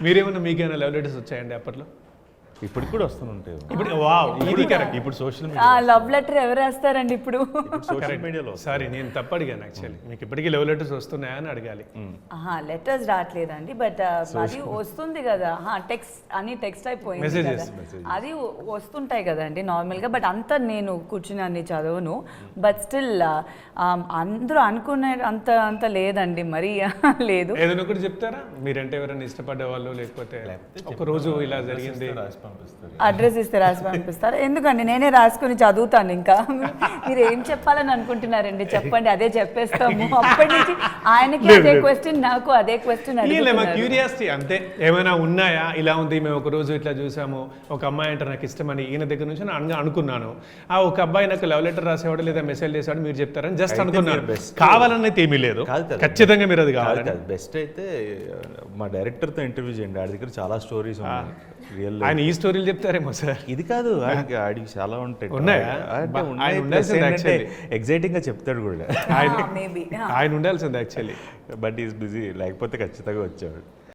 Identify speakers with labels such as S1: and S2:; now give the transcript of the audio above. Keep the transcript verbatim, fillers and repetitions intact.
S1: మీరేమన్నా మీకేమైనా love letters వచ్చాయండి అప్పట్లో?
S2: ఇప్పటికి కూడా వస్తుంటాయి.
S1: ఇప్పుడు వావ్, ఇది కరెక్ట్.
S2: ఇప్పుడు సోషల్
S3: ఆ
S2: మీడియా
S3: లవ్ లెటర్ ఎవరు రాస్తారండి ఇప్పుడు?
S2: సోషల్ మీడియాలో
S1: సారీ, నేను తప్పు అడిగాను యాక్చువల్లీ. మీకు ఇప్పటికీ లవ్ లెటర్స్ వస్తున్నాయా అని అడగాలి.
S3: ఆహా, లెటర్స్ రావట్లేదండి, బట్ అది వస్తుంది కదా, టెక్స్ట్ అని టెక్స్ట్ అయిపోయింది
S1: Messages,
S3: కదా. అది వ- వస్తుంటాయి కదండి నార్మల్గా, బట్ అంత నేను కూర్చుని అన్ని చదవను. బట్ స్టిల్ అందరూ అనుకునే అంత అంత లేదండి, మరీ లేదు.
S1: ఏదైనా ఒకటి చెప్తారా? మీరంటే ఎవరైనా ఇష్టపడే వాళ్ళు, లేకపోతే ఒక రోజు ఇలా జరిగింది
S2: రాసి పంపిస్తారు.
S3: అడ్రస్ ఇస్తే రాసి పంపిస్తారు. ఎందుకండి, నేనే రాసుకుని చదువుతాను. ఇంకా మీరు ఏం చెప్పాలని అనుకుంటున్నారండి, చెప్పండి, అదే చెప్పేస్తాము. అప్పటి నుంచి ఆయనకి అదే క్వశ్చన్, నాకు అదే క్వశ్చన్
S1: మా
S3: అడుగుతున్నారు.
S1: క్యూరియాసిటీ అంతే. ఏమైనా ఉన్నాయా ఇలా ఉంది, మేము ఒక రోజు ఇట్లా చూసాము, ఒక అమ్మాయి అంటే నాకు ఇష్టమని ఈయన దగ్గర నుంచి నేను అను- అనుకున్నాను. ఆ ఒక అబ్బాయి నాకు లవ్ లెటర్ రాసేవాడు లేదా మెసేజ్ చేసేవాడు, మీరు చెప్తారని జస్ట్
S2: అయితే
S1: అనుకున్నాను.
S2: మీరు best.
S1: కావాలని అయితే ఏమీ లేదు,
S2: కాదు కదా.
S1: ఖచ్చితంగా మీరు అది కావాలి.
S2: బెస్ట్ అయితే మా డైరెక్టర్తో ఇంటర్వ్యూ చేయండి, ఆడి దగ్గర చాలా స్టోరీస్ ఉన్నాయి రియల్.
S1: ఆయన ఈ స్టోరీలు చెప్తారేమో సార్.
S2: ఇది కాదు, ఆడికి ఆడికి చాలా ఉంటాయి.
S1: ఉన్నాయా?
S2: అంటే
S1: బా-
S2: ఉన్నాయి,
S1: ఆయన
S2: plus
S1: ఉండాల్సింది
S2: ఏంటంటే
S1: actually.
S2: ఎగ్జైటింగ్ గా చెప్తాడు కూడా.
S3: మేబీ
S1: ఆయన ఉండాల్సింది యాక్చువల్లీ.
S2: బట్ ఈస్ బిజీ, లేకపోతే ఖచ్చితంగా వచ్చాడు.